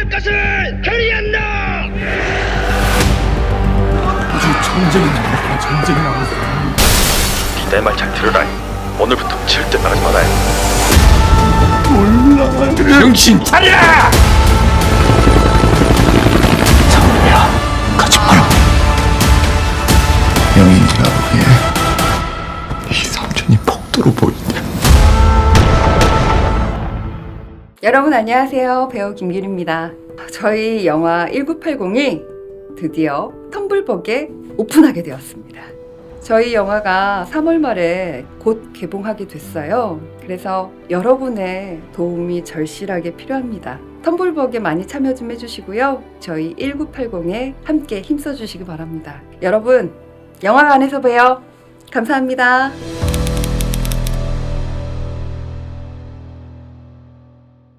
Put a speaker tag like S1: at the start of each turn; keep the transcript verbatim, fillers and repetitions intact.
S1: 할 것을 결의한다.
S2: 전쟁이 나왔다. 전쟁이 나왔어.
S3: 내 말 잘 들으라. 오늘부터 절대 나가지 말아요.
S2: 몰라. 정신 차려! 장우야, 가지 마라. 영인이가 보기에 이 삼촌이 폭도로 보인다.
S4: 여러분 안녕하세요. 배우 김길입니다. 저희 영화 천구백팔십이 드디어 텀블벅에 오픈하게 되었습니다. 저희 영화가 삼월 말에 곧 개봉하게 됐어요. 그래서 여러분의 도움이 절실하게 필요합니다. 텀블벅에 많이 참여 좀 해주시고요. 저희 천구백팔십에 함께 힘써주시기 바랍니다. 여러분 영화관에서 봬요. 감사합니다.